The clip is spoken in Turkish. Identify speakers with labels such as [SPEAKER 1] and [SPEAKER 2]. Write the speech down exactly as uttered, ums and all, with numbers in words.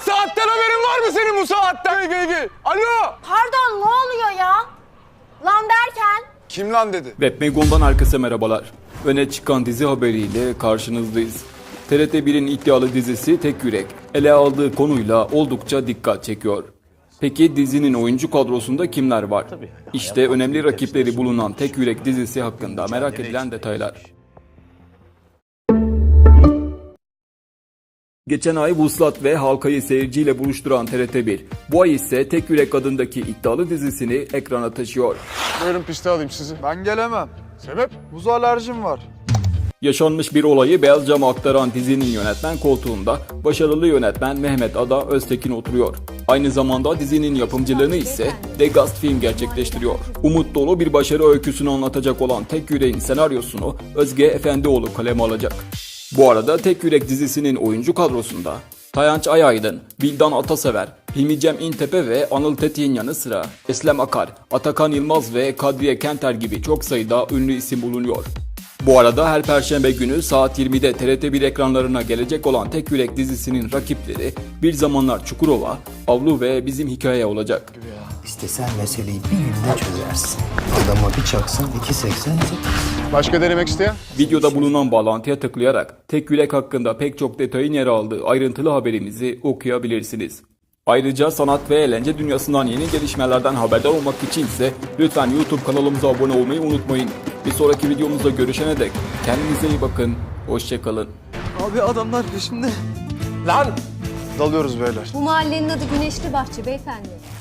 [SPEAKER 1] saatten haberin var mı senin bu saatten? Gel gel. Alo.
[SPEAKER 2] Pardon, ne oluyor ya? Lan derken?
[SPEAKER 1] Kim lan dedi?
[SPEAKER 3] Webmegon'dan herkese merhabalar. Öne çıkan dizi haberiyle karşınızdayız. T R T bir'in iddialı dizisi Tek Yürek, ele aldığı konuyla oldukça dikkat çekiyor. Peki dizinin oyuncu kadrosunda kimler var? İşte önemli rakipleri bulunan Tek Yürek dizisi hakkında merak edilen detaylar. Geçen ay Vuslat ve halkayı seyirciyle buluşturan T R T bir, bu ay ise Tek Yürek adındaki iddialı dizisini ekrana taşıyor.
[SPEAKER 1] Buyurun piste alayım sizi.
[SPEAKER 4] Ben gelemem.
[SPEAKER 1] Sebep?
[SPEAKER 4] Buz alerjim var.
[SPEAKER 3] Yaşanmış bir olayı beyaz cama aktaran dizinin yönetmen koltuğunda başarılı yönetmen Mehmet Ada Öztekin oturuyor. Aynı zamanda dizinin yapımcılığını ise Degast Film gerçekleştiriyor. Umut dolu bir başarı öyküsünü anlatacak olan Tek Yürek'in senaryosunu Özge Efendioğlu kaleme alacak. Bu arada Tek Yürek dizisinin oyuncu kadrosunda Tayanç Ayaydın, Vildan Atasever, Hilmi Cem İntepe ve Anıl Tetik'in yanı sıra Eslem Akar, Atakan Yılmaz ve Kadriye Kenter gibi çok sayıda ünlü isim bulunuyor. Bu arada her perşembe günü saat yirmide T R T bir ekranlarına gelecek olan Tek Yürek dizisinin rakipleri Bir Zamanlar Çukurova, Avlu ve Bizim Hikaye olacak.
[SPEAKER 5] İstesen meseleyi bir günde çözersin. Adama bir çaksın iki seksen.
[SPEAKER 1] Başka denemek isteyen?
[SPEAKER 3] Videoda bulunan bağlantıya tıklayarak Tek Yürek hakkında pek çok detayın yer aldığı ayrıntılı haberimizi okuyabilirsiniz. Ayrıca sanat ve eğlence dünyasından yeni gelişmelerden haberdar olmak için ise lütfen YouTube kanalımıza abone olmayı unutmayın. Bir sonraki videomuzda görüşene dek kendinize iyi bakın, hoşça kalın.
[SPEAKER 4] Abi adamlar peşimde.
[SPEAKER 1] Lan. Dalıyoruz beyler.
[SPEAKER 6] Bu mahallenin adı Güneşli Bahçe beyefendi.